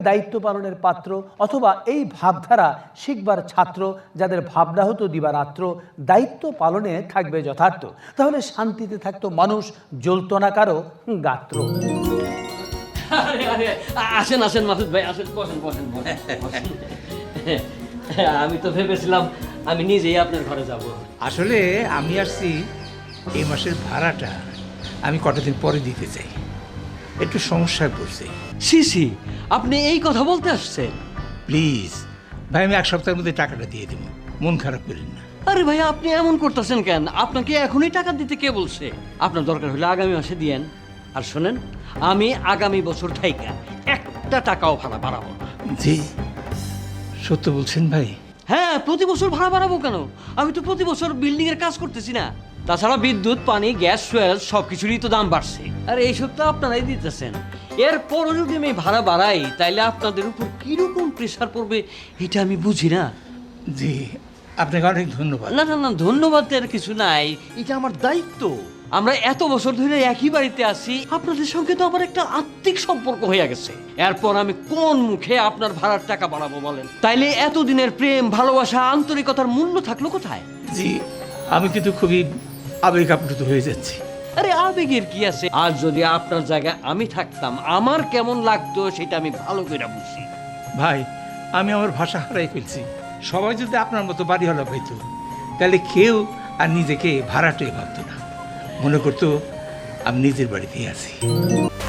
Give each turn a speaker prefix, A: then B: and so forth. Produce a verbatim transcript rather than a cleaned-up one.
A: দায়িত্ব পালনের পাত্র, অথবা এই ভাবধারা শিখবার ছাত্র যাদের ভাবনা হতো দিবারাত্র দায়িত্ব পালনে থাকবে যথার্থ, তাহলে শান্তিতে থাকতো মানুষ, জ্বলত না কারো গাত্র।
B: আরে আরে আসেন আসেন মাসুদ ভাই, আসেন, বসেন বসেন বসেন। আমি তো ভেবেছিলাম আমি নিজেই আপনার ঘরে যাব।
C: আসলে আমি আসছি এই মাসের ভাড়াটা আমি কটা দিন পরে দিতে চাই, একটু সমস্যায় পড়ছি।
B: সিসি, আপনি এই কথা বলতে আসছেন?
C: প্লিজ ভাই, আমি এক সপ্তাহের মধ্যে টাকাটা দিয়ে দেবো, মন খারাপ করেন না।
B: আরে ভাই, আপনি এমন করতেছেন কেন? আপনাকে এখনই টাকা দিতে কে বলছে? আপনার দরকার হলে আগামী মাসে দিয়েন। আর শোনেন, আমি আগামী বছর থাইকা একটা টাকাও ভাড়া বাড়াবো না।
C: জি সত্য বলছেন ভাই?
B: হ্যাঁ, প্রতি বছর ভাড়া বাড়াবো কেন? আমি তো প্রতি বছর বিল্ডিং এর কাজ করতেছি না? তাছাড়া বিদ্যুৎ, পানি, গ্যাস, ফুয়েল সবকিছুরই তো দাম বাড়ছে। আর এইসব তো আপনারাই দিতেছেন। এরপরও যদি আমি ভাড়া বাড়াই তাইলে আপনাদের উপর কিরকম প্রেশার পড়বে এটা আমি বুঝি না।
C: জি আপনাকে অনেক ধন্যবাদ।
B: না না না, ধন্যবাদ এর কিছু নাই, এটা আমার দায়িত্ব। আমরা এত বছর ধরে একই বাড়িতে আছি, আপনাদের সঙ্গে তো আমার একটা আত্মিক সম্পর্ক হয়ে গেছে। এরপর আমি কোন মুখে আপনার ভাড়ার টাকা বাড়াবো বলেন? তাইলে এতদিনের প্রেম, ভালোবাসা, আন্তরিকতার মূল্য থাকলো কোথায়?
C: জি আমি কিন্তু খুবই আবেগ আপ্লুত হয়ে যাচ্ছি।
B: আরে আবেগের কি আছে? আর যদি আপনার জায়গায় আমি থাকতাম আমার কেমন লাগতো সেটা আমি ভালো করে বুঝি।
C: ভাই আমি আমার ভাষা হারাই ফেলছি। সবাই যদি আপনার মতো বাড়ি হলো পাইতো, তাহলে কেউ আর নিজেকে ভাড়াটে ভাবতো না, মনে করতো আমি নিজের বাড়িতেই আছি।